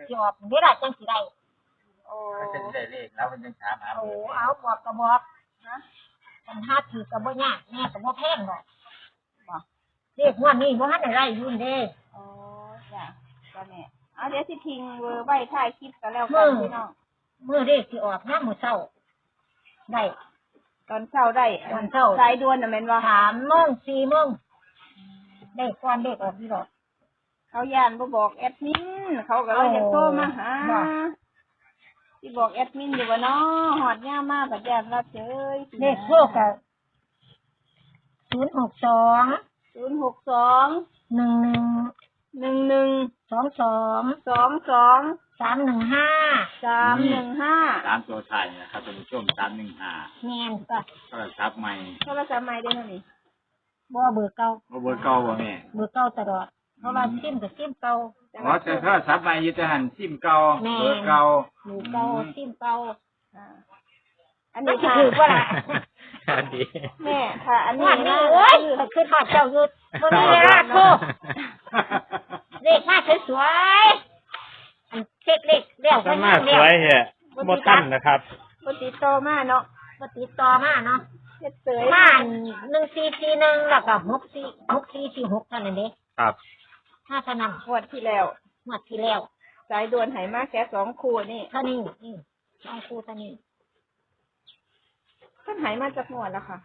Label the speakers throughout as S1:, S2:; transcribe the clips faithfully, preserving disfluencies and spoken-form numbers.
S1: สิออกเวลาจังสิได้
S2: โอ้จะได้เลขแล้วมันจังถามหา
S1: โอ้เอาบอกก็บอกนะคันหาถือก็บ่ยากแม่ก็บ่แพงดอกบ่เลขงวดนี้บ่ทันได้ไล่ยุ่นเด้
S3: โอ้จ้ะก็แม่เอาเดี๋ยวสิทิ้งเบอร์ไว้ท้ายคลิปกันแล้วกันพี่น้อง
S1: มื้อเลขสิออกยามมื้อเช้าได้
S3: ตอนเช้าได้
S1: ตอนเช้า
S3: สายด่วนน่ะแม่นบ่
S1: สามโมง สี่โมงได้ก่อนเลขออกนี่ดอก
S3: เขาย่านบ่บอกแอดมินเขาก็เลยจะโทรมาหาสิบอกแอดมินอยู่ว่าเนาะฮอดยามมาบัดญาติรับเฉย
S1: เลขโทรก็ศูนย์ หก สอง
S3: ศูนย์ หก สอง
S1: หนึ่ง หนึ่ง
S3: หนึ่ง หนึ่ง
S1: สอง สอง
S3: สอง สอง
S1: สาม หนึ่ง ห้า
S3: สาม หนึ่ง ห้า
S2: สามตัวไทยนะครับท่านผู้ชมสามหนึ่งห้า
S1: แม่นก็
S2: โทรศัพท์ใหม่
S3: โทรศัพท์ใหม่ได้เท่านี้
S1: บ่เบอร์เก่า
S2: บ่เบอร์เก่าบ่แม่
S1: เบอร์เก่าตลอดเพราะว่าซิมก็ซิมเก่า
S2: อ๋อแต่โทรศัพท์ใหม่อยู่แต่หันซิมเก่าเบอร์เก่า
S1: เบอร์เก่าซิมเก่า
S3: อันนี้
S1: คือว่าล่ะ
S2: อันนี้
S3: แม่ค่ะอันนี้
S1: นะเอ้ยคือทอดเจ้าอยู่บ่มีเวลาโทรเลขมาสวยๆอันเช็คเลขแล้ว
S4: ก็มาสวยแฮะบ่ทันนะครับ
S3: บ่ติดต่อมาเนาะ
S1: บ่ติดต่อมาเนาะ
S3: เฮ็ดเสย
S1: มาหนึ่ง สี่ สี่ หนึ่งแล้วก็หก สี่ หก สี่ สี่ หกนั่นเด้
S4: ครับ
S1: ถ้าเท่านั้น
S3: งวดที่แล้ว
S1: งวดที่แล้ว
S3: สายด่วนให้มาแค่สองคู่นี่
S1: เท่านี้นี่สองคู่เท่านี้
S3: เพิ่นให้มาจากงวดแล้วค่ะ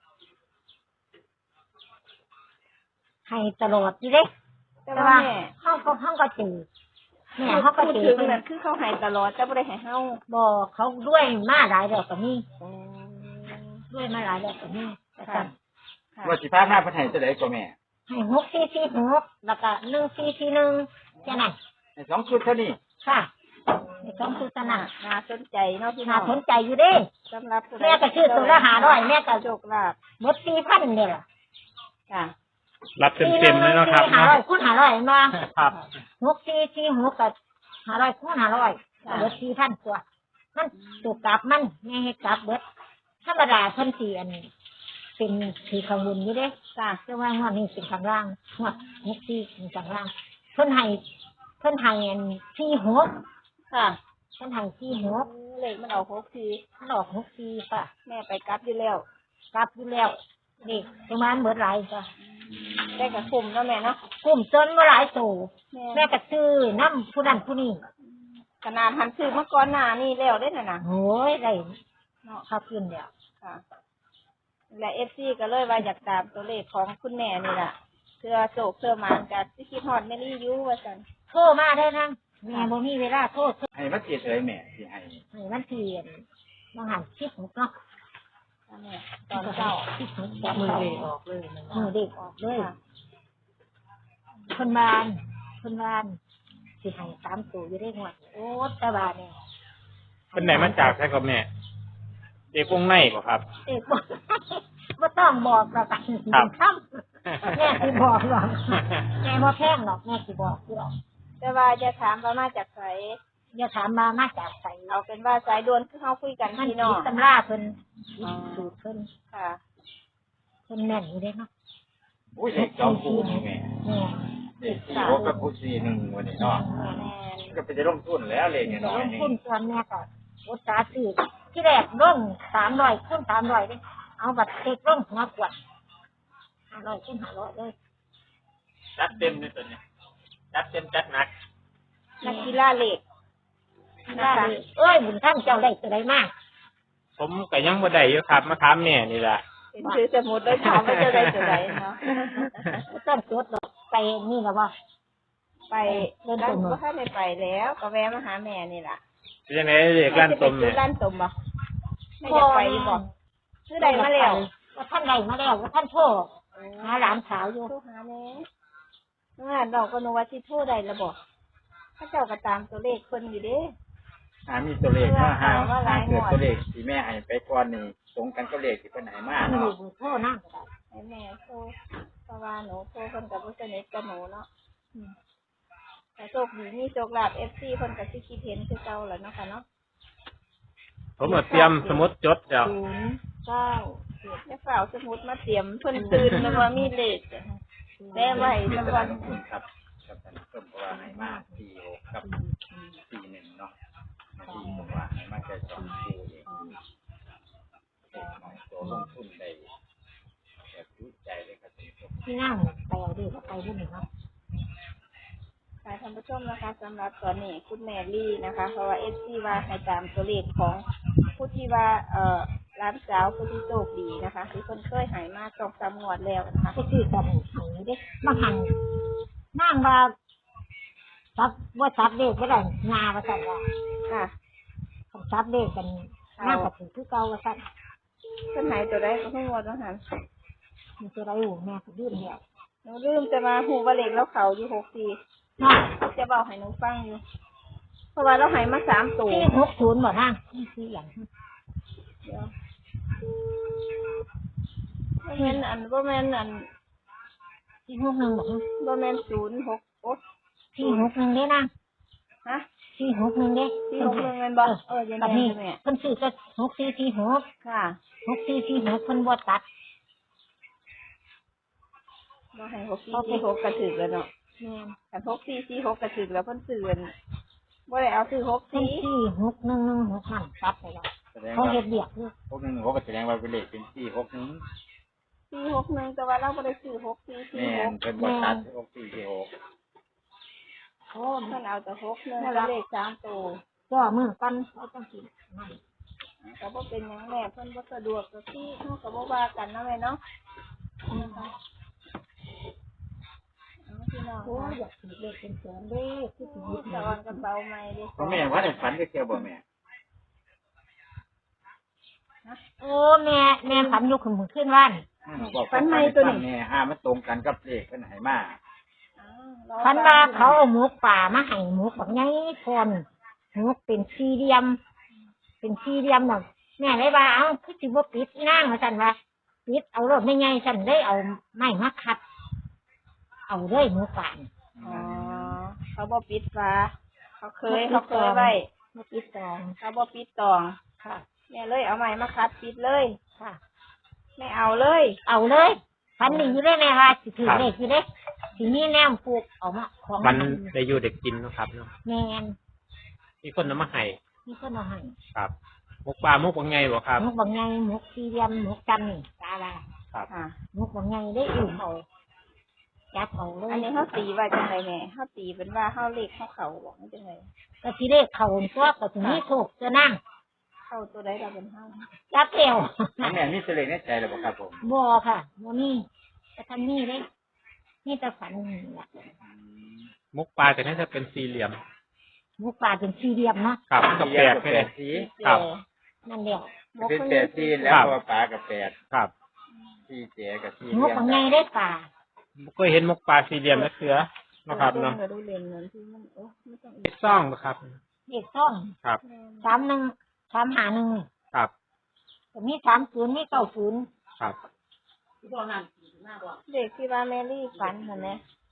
S1: ให้ตลอดอยู่เด้แต่ว่าเฮาก็เฮาก็จือแม่เฮาก็จือ
S3: ถึงนั่นคือเขาให้ตลอดแต่บ่ได้ให้เฮา
S1: บ่เขาด้วยมาหลายแล้วก็มีด้วยมาหลายแล้วก็มีค่ะ
S2: ว่าสิพามาเพิ่นให้จังได๋ก็แม่
S1: ให้หก สี่ สี่ หกแล้วก็หนึ่ง สี่ สี่ หนึ่งแค่นั้น
S2: ให้สองชุดเท่านี้
S1: ค่ะให้สองชุดเท่านั้น
S3: น่าสนใจเนาะพี่น้
S1: องน่าสนใจอยู่เด้
S3: สำหรับ
S1: แม่ก็ชื่อตัวละห้าร้อยแม่ก็
S3: โชคลาภ
S1: หมด สี่พัน นี่ล่ะ
S3: ค่ะ
S4: รับเต็มๆเลยเนาะครับ
S1: ห้าร้อยคูณห้าร้อยมา
S4: ครับ
S1: หก สี่ สี่ หกก็ห้าร้อยคูณห้าร้อยเบิด สี่พัน กว่ามันถูกกลับมันแม่เฮ็ดกลับเบิดธรรมดาเพิ่นสิอันเป็นสีข้างบนอยู่เด้จ้ะแต่ว่างวดนี้เป็นข้างล่างงวดหก สี่เป็นข้างล่างเพิ่นให้เพิ่นให้อันสี่ หกค่ะเพิ่นให้สี่ หก
S3: เลขมันออกหก สี่
S1: มันออกหก สี่ค่ะ
S3: แม่ไปกลับอยู่แล้ว
S1: กลับอยู่แล้วนี่ประมาณเบิดหลายจ้ะ
S3: ได้ก็คุ้มเนาะแม่เนาะ
S1: คุ้มจนบ่หลายโตแม่ก็ซื้อนำผู้นั้นผู้นี้
S3: ขนาดหันซื้อเมื่อก่อนหน้านี่แล้วเด้น่ะนะ
S1: โอ้ยได้เนาะครับขึ้นแล้ว
S3: ค่ะและ เอฟ ซี ก็เลยว่าอยากตามตัวเลขของคุณแม่นี่ล่ะเพื่อโศกเพื่อหมานกับสิคิดฮอดแม่ลี่อยู่ว่าซั่น
S1: โทรมาได้นางแม่บ่มีเวลาโทร
S2: ให้มันสิเฉยแม่สิให้
S1: ให้มันเทียนบ่หันสิบหกเนาะ
S3: แม่ตอนเช้า
S1: สิบหกมือเด็กออกเลยมือเด็กออกเลยเพิ่นบ้านเพิ่นบ้านสิให้สามตัวอยู่ได้งวดโอ้ตาบาเนี่ย
S4: เพิ่นได้มาจากไสก็แม่เด็กวงในบ่ครับ
S1: เด็กบ่บ่ต้องบอกหรอกครับแม่สิบอกหรอกแม่บ่แพงหรอกแม่สิบอกหรอก
S3: แต่ว่าจะถามว่ามาจากไส
S1: อย่าถามมามาจากไส
S3: เอาเป็นว่าสายด่วนคือเฮาคุยกันพี่น้อง
S1: ตำราเพิ่นสูตรเพิ่น
S3: ค่ะ
S1: เพิ่นแม่นอยู่เด้เนาะ
S2: อุ้ยเด็กสองคู่นี่แม่
S1: แม่
S2: เด็กสี่หกกับผู้สี่หนึ่งวันนี้เนาะก็ไปจะลงทุนแล้วเลขน้อย
S1: นี่ลงทุนส่วนแม่ก็อุตส่าห์ซื้อที่แรกลงสามร้อยคูณสามร้อยเด้เอาบัตรเช็คลงหัวกวดห้าร้อยคูณห้าร้อยเลย
S4: จัดเต็มเลยตัวนี้จัดเต็มจัดหนัก
S3: นักกีฬาเหล็ก
S1: นะคะเอ้ยบุญท่านเจ้าได้ตัวใดมาก
S4: ผมก็ยังบ่ได้อยู่ครับมาถามแม่นี่ล่ะ
S3: เป็นชื่อสมุดแล้วถามว่าเจ้าได้ตัวใดเนาะ
S1: ต้นจดไปนี่ล่ะบ่
S3: ไปร้านบ่ทันได้ไปแล้วก็แวะมาหาแม่นี่ล่ะ
S4: เป็นจังได๋เลขร้านต้มเนี่ย
S3: ร้านต้มบ่ไม่อยากไปบ่ชื่อใดมาแล้ว
S1: ว่าท่านใดมาแล้วว่าท่านโทรหาหลานสาวอยู่
S3: โทรหาแม่งานเราก็นึกว่าสิโทรได้แล้วบ่ถ้าเจ้าก็ตามตัวเลขเพิ่นอยู่เด้
S2: หามีตัวเลขมาหาหาเกิดตัวเลขที่แม่ให้ไปก่อนนี่ตรงกันกับเลขที่เพิ่นให้มาเนาะ
S1: โทรนำก็ได้
S3: ให้แม่โทรเพราะว่าหนูโทรเพิ่นก็บ่สนิทกับหนูเนาะแต่โชคดีมีโชคลาภ เอฟ ซี เพิ่นก็สิคิดเห็นคือเก่าแหละเนาะค่ะเนาะ
S4: ผมเอาเตรียมสมุดจดแล้ว
S3: ศูนย์ เก้า เจ็ดแล้วฝ่าสมุดมาเตรียมเพิ่นตื่นแล้วว่ามีเลขแม่ไว้สักวัน
S2: ครับครับท่านผู้ชมว่าให้มาสี่หกกับ
S1: ที่นั่งไปเอาดีก็ไปรุ่นหนึ่งเนาะ
S3: ค่ะท่านผู้ชมนะคะสำหรับตอนนี้คุณแมรี่นะคะ เพราะว่าเอฟซีว่าให้ตามตัวเลขของผู้ที่ว่าเอ่อร้านสาวผู้ที่โชคดีนะคะที่คนเคยหายมาสองสามงวดแล้วนะคะ
S1: ไปซื้อกันหังเด้บางหังนั่งว่าซับว่าซับเด็กก็ได้งาว่าสั่นว่า
S3: ค่ะ
S1: ซับเด็กกันนั่งกับถือคือเก่าว่าสั่น
S3: เพิ่นหายตัวได้ก็เพิ่งงวดว่าหัน
S1: มันจะได้อยู่แม่ก็ดื้อเดียว
S3: หนูลืมจะมาหูว่าเลขแล้วเขาอยู่หกสี่
S1: เนาะ
S3: จะบอกให้หนูฟังอยู่ เพราะว่าเราหายมาสามตัว
S1: ที่หกศูนย์บ่นั่งนี่คืออย่าง
S3: เดี๋ยวบ่แม่นอันบ่แม่นอัน
S1: ที่หกหนึ่งบ่
S3: บ่แม่นศูนย์หกโอ๊ย
S1: ที่หกหนึ่งเด้นะ
S3: ฮะ
S1: ที่หกหนึ่งเด้
S3: ที่หกหนึ่งแม่นบ่เออเดี๋ยว
S1: แบบ
S3: แม่
S1: นี้
S3: แม่
S1: เพิ่นซื้อก็หกสี่สี่หก
S3: ค่ะ
S1: หกสี่สี่หกเพิ่นบ่ตัด
S3: เราให้หกสี่สี่หกกระถึกแล้วเนาะ
S1: แม่น
S3: กันหกสี่สี่หกกระถึกแล้วเพิ่นซื้ออันบ่ได้เอาซื้อหก
S1: เพิ่น
S3: สี่
S1: สี่หกหนึ่งหนึ่งหกนั่นตัดไปแล้ว
S2: แสดง
S1: เขา
S2: ว่า
S1: เฮ็ดเบียกคือ
S2: หกหนึ่งหกก็แสดงว่าเป็นเลขเป็นสี่หกหนึ่ง
S3: สี่หกหนึ่งแต่ว่าเราบ่ได้ซื้อหกสี่สี่
S2: แม่
S3: ห
S2: น
S3: ก
S2: เป็นบริษัทหกสี่สี่หก
S1: โอ้
S3: เพิ่นเอาแต่หกหนึ่งกับเลขสามตัว
S1: ก็มือกันเอาจังซี่นั่น
S3: ก็บ่เป็นหยังแม่เพิ่นบ่สะดวกก็ที่เฮาก็บ่ว่ากันเนาะแม่เนาะเอาพี่น้อง
S1: โอ้
S3: ค่ะ
S1: อยากสิเลขเป็นแสนเด้คือสิหยิบ
S3: ตะ
S1: เงิ
S3: วัน
S1: น
S3: กระเป๋าใหม่เด้
S2: พ่อแม่ว่าได้ฝันก็เที่ยวบ่แม่
S1: โอ้แม่แม่ฝันอยู่ขึ้นมือขึ้นว่าน
S2: อืมบอกฝันให้ฟังแน่ห้ามันตรงกันกับเลขเพิ่นให้มา
S3: อ้าว
S1: ฝันว่าเขาเอาหมูป่ามาให้หมูบักใหญ่คนหมูเป็นสี่เหลี่ยม เป็นสี่เหลี่ยมน่ะแม่เลยว่าเอ้าคือสิบ่ปิดอีนางว่าซั่นว่าปิดเอารถไม่ใหญ่ซั่นเลยเอาไม้มาคัด เอาเลยหมูป่า
S3: อ๋อเขาบ่ปิดฝาเขาเคยเขาเคยไว้
S1: มาปิดตอง
S3: เขาบ่ปิดตอง
S1: ค่ะ
S3: แม่เลยเอาใหม่มาคัดปิดเลย
S1: ค่ะ
S3: ไม่เอาเลย
S1: เอาเลยฝันนี่อยู่ได้แม่ว่าสิถือเลขอยู่เด้สิมีแนวปลูกเอามาของ
S4: มันได้อยู่เด็กกินเนาะครับเนาะ
S1: แม่น
S4: มีคนนำมาให้
S1: มีคนเอาให้
S4: ครับมุกปลามุกว่าไงบ่ครับ
S1: หมูบักใหญ่หมูสี่เหลี่ยมหมูจันนี่ตาลา
S4: ครับ
S3: ค่ะ
S1: หมูบักใหญ่ได้อุ่มเอาจับเอาเลย
S3: อันนี้เขาตีว่าจังไรแม่เขาตีเป็นว่าเขาเลขเขาเขาบอกว่าจังไร
S1: ก็สิได้เข้าตัวก็สิมีโชคจะนั่ง
S3: เข้าตัวใดเราเป็นเขา
S1: จับเอว
S2: พ่อแม่มีตัวเลขในใจแล้วบ่ครับผม
S1: บ่ค่ะบ่มีแต่ทันนี้เด้นี่แต่ฝันนี่แหละ
S2: อืม
S4: มุกปลาจะน่าจะเป็นสี่เหลี่ยม
S1: หมูป่าเป็นสี่เหลี่ยมเนาะ
S4: ครับก็แปลก
S2: แป
S4: แค่
S2: ดสี
S4: ครับ
S1: นั่นแหละ
S2: เป็นแปดสีแล้วเพราะว่าปลากับแปด
S4: ครับ
S2: สี่เจ๋กับสี่
S1: หมู
S2: เลี้ยง
S1: บักใหญ่ได้ป่า
S4: ก็เห็นมุกปลาสี่เหลี่ยมนะเสือนะครับเนาะ
S3: เราดูเลนเงินที่มันโอ้ไม่ต้องอีก
S4: ซ่องนะครับ
S1: เด็กซ่อง
S4: ครับ
S1: สามหนึ่งสามหาหนึ่ง
S4: ครับ
S1: ก็มีสามศูนย์มีเก้าศูนย์
S4: ครับ
S3: เด็กที่ว่าแมรี่ฝันเห็นไหม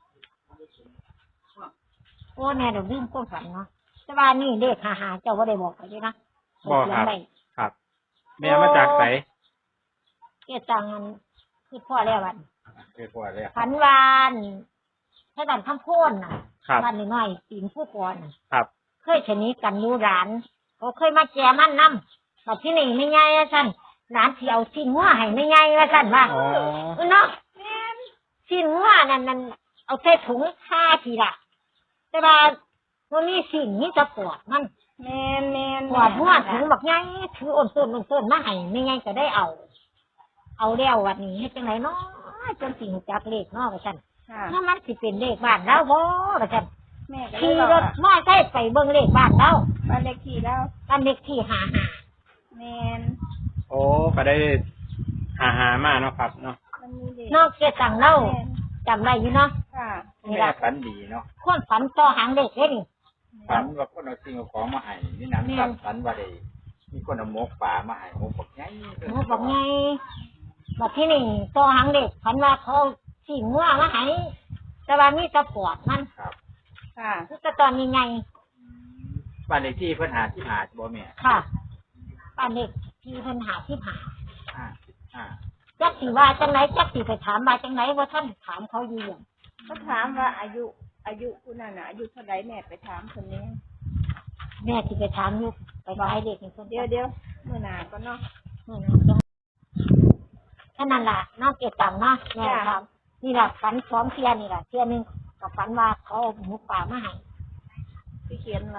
S1: โอ้แม่เดี๋ยวลืมความฝันเนาะแต่ว่านี่เด็กหาหาเจ้าว่าได้บอกไปด้วยนะ
S4: บอก
S1: เขีย
S4: คน รับ
S1: ไว้
S4: ครับ แม่มาจากไหน
S1: เกี่ยจังอันคือพ่อแล้ววัน
S2: คือพวกเลย
S1: ฝันวานถ้าดันคำโพนน่ะ
S4: ครับ
S1: บ้านน้อยๆตีนผู้ก่อนน่ะ
S4: ครับ
S1: เคยชนิดกันอยู่ร้านเขาเคยมาแจมันน้ำแบบที่นี่ไม่ไงว่าสั่นร้านที่เอาชิ้นหัวให้ไม่ไงว่าสั่นว่า
S4: อ๋อ
S1: เออเนาะชิ้นหัวนั่นนั่นเอาใส่ถุงผ้าทีละแต่ว่าวันนี้สิ่งนี้จะปวดมัน
S3: แมนแมน
S1: ปวดหัวถุงแบบไงถืออ่อนต้นอ่อนต้นมาให้ไม่ไงก็ได้เอา เอาแล้ววันนี้ให้จังไหนเนาะจนสิ่งจักเลขเนาะว่าสั่น
S3: ค่ะ
S1: ถ้ามันสิเป็นเลขบ้านเราบ่ว่าสั่น
S3: แม่ก็เลย
S1: ขี่
S3: บอก
S1: รถ
S3: ว่า
S1: มอไซค์ไปเบิ่งเลขบ้านเรา
S3: บ้านเลขที่แล้ว
S1: บ้านเลขที่หาหา
S3: แมน
S4: โอ้ก็ได้หาหามาเนาะครับเนาะ
S3: มันมีเด็ก
S1: นอกเกตังเล่า
S3: แม่น
S1: จำได้อยู่เนาะ
S3: ค่ะ
S1: นี่
S2: แม่
S1: ละ
S2: ฝันดีเนาะ
S1: คนฝันต่อหางเด็กเลยนี่
S2: ฝันว่าคนเอาสิ่งเอาของมาให้นี่นั้น
S1: แม่น
S2: ครับฝันว่าได้มีคนเอาหมกป่ามาให้หมกบักใหญ่
S1: หมูบอกไงบอกที่นี่ต่อหางเด็กฝันว่าเขาสี่งัวมาให้แต่ว่ามีตะปอดมัน
S2: ครับ
S3: ค่ะ
S1: คือตะตอนยังไง
S2: บ้านเลขที่เพิ่นหาที่หาบ่แม่
S1: ค่ะป้านเด็กที่เพิ่นหาที่หา
S2: อ่าอ่า
S1: จักสีว่าจังไหนจักสีไปถามมาจังไหนว่าท่านถามเขาอยู่อย่าง
S3: ก็ถามว่าอายุอายุคุณน่ะนะอายุเท่าไรแม่ไปถามคนนี้
S1: แม่ที่ไปถามอยู่ไปบอกให้เด็กเป็นคน
S3: เดี๋ยวเดี๋ยวเมื่อหนาก็เนาะ
S1: แค่นั้นล่ะนอกเกตังเนาะแม่ครับนี่แหละฝันสองเที่ยนี่แหละเที่ยหนึงกับฝันว่าเขาเอาหมูป่ามาให้
S3: ที่เขียนไว้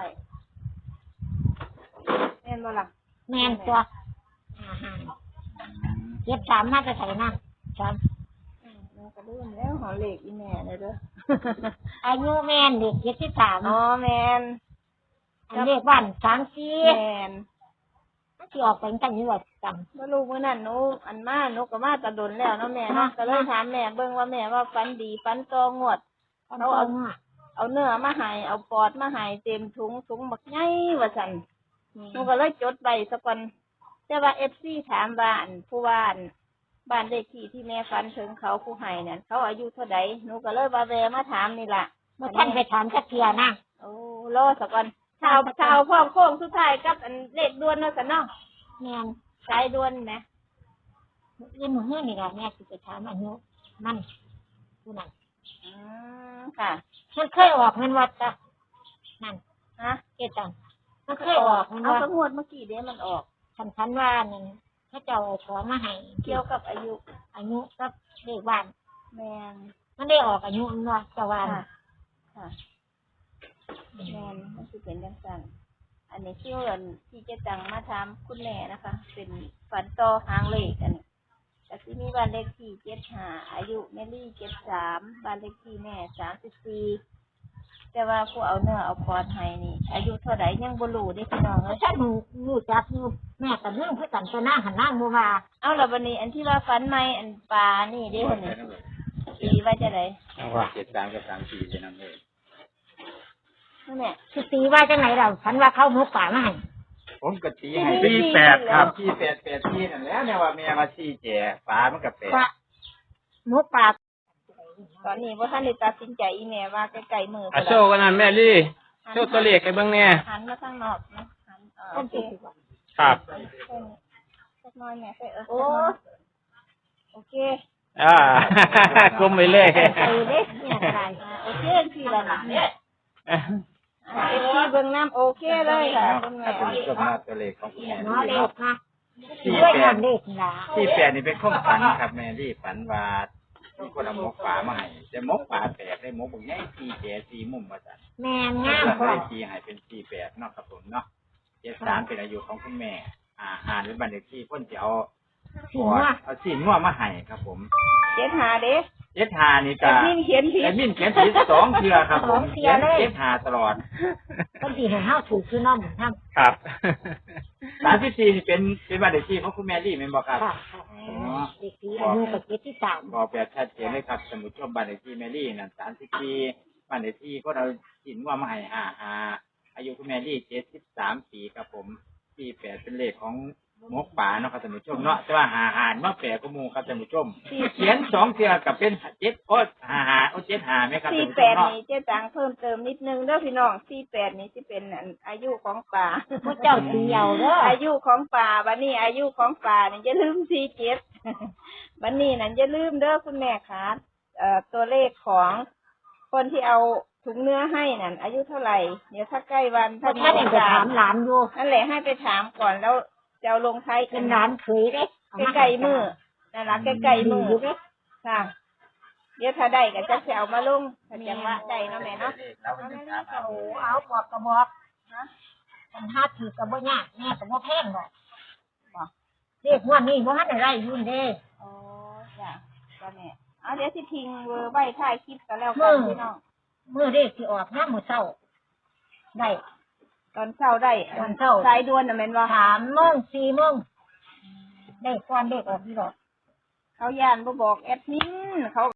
S3: แม่นบ่ล่ะ
S1: แม่นตัวอาหารเก็บสามน่าจะใส่นะสาม
S3: อืมมันก็ลืมแล้วหอเลขอีแม่เลยเด้อ
S1: อายุแม่นเด็กเจ็ดสิบสาม
S3: อ๋อแม่น
S1: อันเลขบ้านสามสี่
S3: แม่น
S1: ที่ออกไปตั้งยี่ว่าจ
S3: บ่รู้มื้อนั้นหนูอันมาหนูก็มาแตะดนแล้วเนาะแม่เนาะก็เลยถามแม่เบิ่งว่าแม่ว่าฝันดีฝันตองวด
S1: ำ
S3: เขาเอา เอาเนื้อมาให้เอาปอดมาให้เต็มถุงถุงบักใหญ่ว่าซั่นหนูก็เลยจดไว้ซะก่อนแต่ว่า เอฟ ซี ถามว่าอันผู้ว่าอันบ้านเลขที่ที่แม่ฝันถึงเขาผู้ให้นั่นเขาอายุเท่าใดหนูก็เลยว่าแวะมาถามนี่ล่ะ
S1: เมื่อท่านไปถามจักเทียนะ
S3: โอ้รอซะก่อนชาวชาวพร้อมโค้งสุดท้ายกับอันเลขด่วนเนาะซั่นเนาะ
S1: แม่น
S3: สายด่วนแหม
S1: เรื่องหมู่นี่แหละแม่สิไปถามอายุมันผู้นั้น
S3: อืมค่ะ
S1: มันเคยออกเงินวัดจ้ะนั่น
S3: ฮะ
S1: เกตังมันเคยออกเงิน
S3: เอา
S1: วัด
S3: สงวดเมื่อกี้เด้มันออก
S1: ฉันพันว่านั่นพระเจ้าเอาของมาให้
S3: เกี่ยวกับอายุ
S1: อายุกับเลขบ้าน
S3: แม่น
S1: มันได้ออกอายุมันว่าจะว่า
S3: ค่ะค่ะแม่นมันสิเป็นจังซั่นอันนี้ชื่ออันที่เจะจังมาถามคุณแม่นะคะ เป็นฝันต่อหางเลขอันนี้แต่ที่มีบ้านเลขที่เจ็ดห้าอายุแม่ลี่เจ็ดสามบ้านเลขที่แม่สามสิบสี่แต่ว่าผู้เอาเนื้อเอาปอดให้นี่ อายุเท่าไหร่ยังบ่รู้เด้พี่น้อง
S1: เพ
S3: เอ้
S1: ราะ
S3: ย
S1: ฉันรู้รู้จักอยู่แม่กับเรื่องเพื่อกันไปนั่งหันนั่งบัวา
S3: เอาละวันนี้อันที่ว่าฝันใหม่อันปลานี่เด้คนนี้ตีว่าจะได
S2: ว่าเจ็ดสามกับสามสี่เป็นนั่นเลย
S3: นั่นแหละ
S1: คือตีว่าจังไหนเราฉันว่าเข้าหมูป่ามาให้
S2: ผมก็ตีให้
S3: สี่
S2: สี่
S3: แป
S2: แป
S3: ด
S2: ด
S3: ค
S2: ค
S3: รั
S2: รับ บสี่แปดแปดสี่นั่นแหล้วเนี่ยว่าแม่มาสี่แจ๋ฟ้ามันก็แปด
S1: ว่าหมูป่า
S3: ตอนนี้ว่าท่านได้ตัดสินใจอีแม่ว่าใกล้ๆมือ
S4: อ่ะโชว์กันนั่นแม่ลี่โชว์ตัวเลขให้เบิ่งแน่
S3: หันมาทางนอกนะหันเออ
S1: ต้
S3: โอน เค
S1: สิบกว่า
S4: ครับ
S3: สักน้อยแม่ใส่เออ
S1: โอ้
S3: โอเค
S4: อ่ากลมไปเลย
S1: ไปเล็กเนี่ยใคร
S3: อ่าโอเคทีละหนักเนี่ยเอฟซีเบิ่งน้ำโอเคเลยค่ะเบิ่ง
S2: ถ้า
S3: แม่
S2: เป็นก็มาตัวเลขของคุณแม่
S1: น้อ
S2: นี่
S1: เล็
S2: เนาะ
S1: กนะ
S2: สี่
S1: ด้วย
S2: แป
S1: เงิ
S2: ด
S1: นเล็กนะ
S2: สี่แปดนี่เป็นข้อฝันครับแม่ที่ฝันว่ามีคนเอาหมกป่ามาให้แต่หมกป่าแตกได้หมกบางแง่สี่แจ๋สี่มุมมาจาก
S1: แม่งาม
S2: ก็
S1: กว่า
S2: ได้ตีให้เป็นสี่แปดเนาะครับผมเนาะเจ็ดสามเป็นอายุของคุณแม่ อ่าหารเป็นบันเลขที่เพ่นจะเอา
S1: สิว่า
S2: เอาสีม่วงมาให้ครับผม
S3: เจ็ดหาเด้
S2: เจ็ดหานี่
S3: แต่
S2: ก็
S3: พี่เขียนผิด
S2: แอดมินเขียนผิดสองเทือครับผมเขียนเจ็ดหาตลอด
S1: ต้นที่เห็นเฮาถูกคือน้องทำ
S4: ครับ
S2: สามสิบสี่นี่เป็นเป็นบันเลขที่ของคุณแม่รี่เป็นบอกครับ
S1: ค่ะเด็กที่อายุกับเจ็ดที่สาม
S2: บอกแบบชัดเจนเลยครับสมุดชมบันเลขที่แมรี่นั่นสามสิบสี่บันเลขที่ก็เราสินว่ามาให้ห้าห้าอายุคุณแมรี่เจ็ดสิบสามปีครับผมที่แปดเป็นเลขของมกป่าเนาะครับท่านผู้ชมเนาะแต่ว่าหาหารมาแปดก็มูครับท่านผู้ชมเขียนสองเทือกับเป็นเจ็ดโอ้หาหาโอ้เจ็ดหาไหมครับ
S3: สี่
S2: ท่านผู้
S3: แป
S2: ชม
S3: ด
S2: เนาะ
S3: นี่เจ๊ตังเพิ่มเติมนิดนึงเด้อพี่น้องสี่แปดนี่สิเป็นอันอายุของป่า
S1: พระเจ้าตีเอาเด้อ
S3: อายุของป่าบันนี้อายุของป่านี่อย่าลืมสี่เจ็ด บันนี้นั่นอย่าลืมเด้อคุณแม่คะเอ่อตัวเลขของคนที่เอาถุงเนื้อให้นั่นอายุเท่าไหร่เดี๋ยวถ้าใกล้วัน
S1: พระ
S3: ถ้า
S1: ท่าน
S3: มี
S1: เองจะ
S3: โอกา
S1: ถา
S3: ส
S1: มหลานอยู่
S3: นั่นแหละให้ไปถามก่อนแล้วจะเอาลงท้าย
S1: เป็นหลานเคยเด้
S3: ใกล้ๆมือนั่นละใกล้ๆมือ
S1: อยู่เด้
S3: ค่ะ เดี๋ยวถ้าได้ก็จะเอามาลงถ้าจังว่าได้เนาะแม่เนาะ
S2: เราก็จะถามเอา
S1: โอ้เอาบอกกระบอก
S3: นะ
S1: กันห้าถือกระบอกยากแม่กระบอกแพงดอกบอกเด็กวันนี้บ่ทันได้ไรยุ่นเด้
S3: โอ้จ้ะก็แม่เอาเดี๋ยวสิทิ้งเบอร์ไว้ท้ายคลิปกันแล้วกันพี่น้อง
S1: เมื่อเด็กที่ออกห้ามื้อเช้าได้
S3: ตอนเช้าได้
S1: ตอนเช้า
S3: สายด่วนน่ะแม่นว่า
S1: สามโมงสี่โมงได้ก่อนเด็กออกที่ดอก
S3: เขาย่านบ่บอกแอดมินเขา